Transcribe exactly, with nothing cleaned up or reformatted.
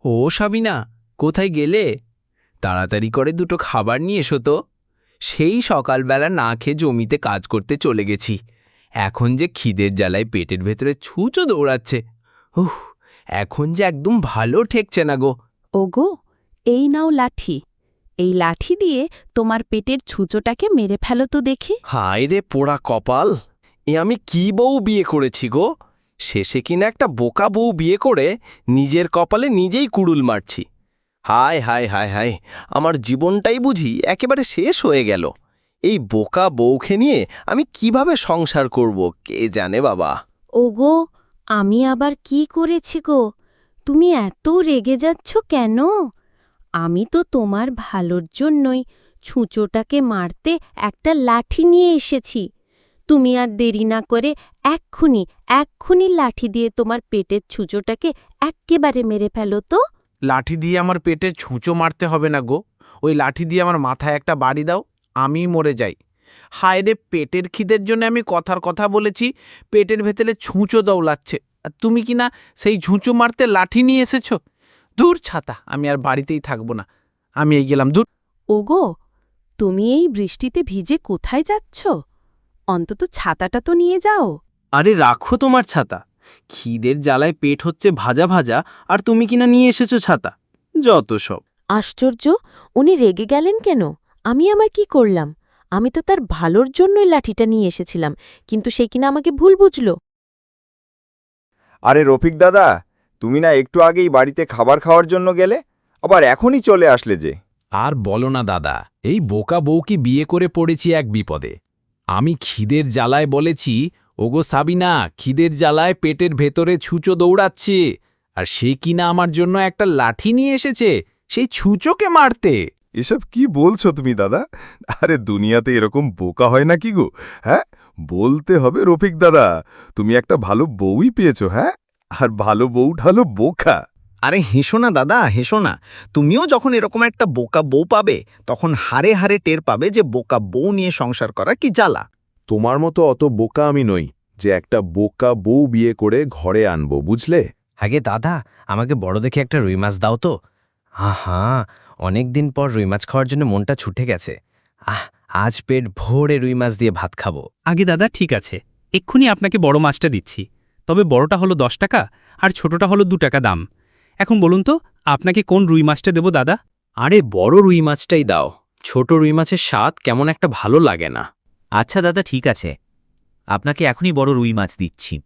ও সাবিনা, কোথায় গেলে? তাড়াতাড়ি করে দুটো খাবার নিয়ে এসো তো। সেই সকালবেলা না খেয়ে জমিতে কাজ করতে চলে গেছি। এখন যে খিদের জ্বালায় পেটের ভেতরে ছুঁচো দৌড়াচ্ছে। উহ, এখন যে একদম ভালো ঠেকছে না গো। ওগো, এই নাও লাঠি। এই লাঠি দিয়ে তোমার পেটের ছুঁচোটাকে মেরে ফেলো তো দেখি। হায় রে পোড়া কপাল, এ আমি কি বউ বিয়ে করেছি গো? শেষে কিনা একটা বোকা বউ বিয়ে করে নিজের কপালে নিজেই কুড়ুল মারছি। হায় হায় হায় হায়, আমার জীবনটাই বুঝি একেবারে শেষ হয়ে গেল। এই বোকা বউকে নিয়ে আমি কিভাবে সংসার করব কে জানে বাবা। ওগো, আমি আবার কি করেছি গো? তুমি এত রেগে যাচ্ছ কেন? আমি তো তোমার ভালোর জন্যই ছুঁচোটাকে মারতে একটা লাঠি নিয়ে এসেছি। তুমি আর দেরি না করে এক্ষুনি এক্ষুনি লাঠি দিয়ে তোমার পেটের ছুঁচোটাকে এক্কেবারে মেরে ফেলো তো। লাঠি দিয়ে আমার পেটে ছুঁচো মারতে হবে না গো। ওই লাঠি দিয়ে আমার মাথায় একটা বাড়ি দাও, আমি মরে যাই। হায় রে, পেটের খিদের জন্য আমি কথার কথা বলেছি, পেটের ভেতরে ছুঁচো দৌড়াচ্ছে, আর তুমি কি না সেই ঝুঁচো মারতে লাঠি নিয়ে এসেছো? দূর ছাতা, আমি আর বাড়িতেই থাকবো না, আমি এই গেলাম দূর। ওগো, তুমি এই বৃষ্টিতে ভিজে কোথায় যাচ্ছ? অন্তত ছাতাটা তো নিয়ে যাও। আরে রাখো তোমার ছাতা, খিদের জ্বালায় পেট হচ্ছে ভাজা ভাজা, আর তুমি কিনা নিয়ে এসেছো ছাতা। যত সব। আশ্চর্য, উনি রেগে গেলেন কেন? আমি আমার কি করলাম? আমি তো তার ভালোর জন্যই লাঠিটা নিয়ে এসেছিলাম, কিন্তু সে কিনা আমাকে ভুল বুঝল। আরে রফিক দাদা, তুমি না একটু আগেই বাড়িতে খাবার খাওয়ার জন্য গেলে, আবার এখনই চলে আসলে যে? আর বলো না দাদা, এই বোকা বউকে বিয়ে করে পড়েছি এক বিপদে। আমি খিদের জ্বালায় বলেছি, ওগো সাবিনা, খিদের জ্বালায় পেটের ভেতরে ছুঁচো দৌড়াচ্ছে, আর সে কিনা আমার জন্য একটা লাঠি নিয়ে এসেছে সেই ছুঁচোকে মারতে। এসব কি বলছো তুমি দাদা? আরে দুনিয়াতে এরকম বোকা হয় না কি গো? হ্যাঁ, বলতে হবে রফিক দাদা, তুমি একটা ভালো বউই পেয়েছো। হ্যাঁ, আর ভালো বউটা হলো বোকা। আরে হেসো না দাদা, হেসো না। তুমিও যখন এরকম একটা বোকা বউ পাবে, তখন হারে হারে টের পাবে যে বোকা বউ নিয়ে সংসার করা কি জ্বালা। তোমার মতো অত বোকা আমি নই যে একটা বোকা বউ বিয়ে করে ঘরে আনবো, বুঝলে? আগে দাদা, আমাকে বড় দেখে একটা রুই মাছ দাও তো। আহা, অনেক দিন পর রুই মাছ খাওয়ার জন্য মনটা ছুটে গেছে। আহ, আজ পেট ভরে রুই মাছ দিয়ে ভাত খাবো। আগে দাদা, ঠিক আছে, এক্ষুনি আপনাকে বড় মাছটা দিচ্ছি। তবে বড়টা হলো দশ টাকা আর ছোটটা হলো দু টাকা দাম। এখন বলুন তো, আপনাকে কোন রুই মাছটা দেব দাদা? আরে বড় রুই মাছটাই দাও, ছোট রুই মাছের স্বাদ কেমন একটা ভালো লাগে না। আচ্ছা দাদা, ঠিক আছে, আপনাকে এখনই বড় রুই মাছ দিচ্ছি।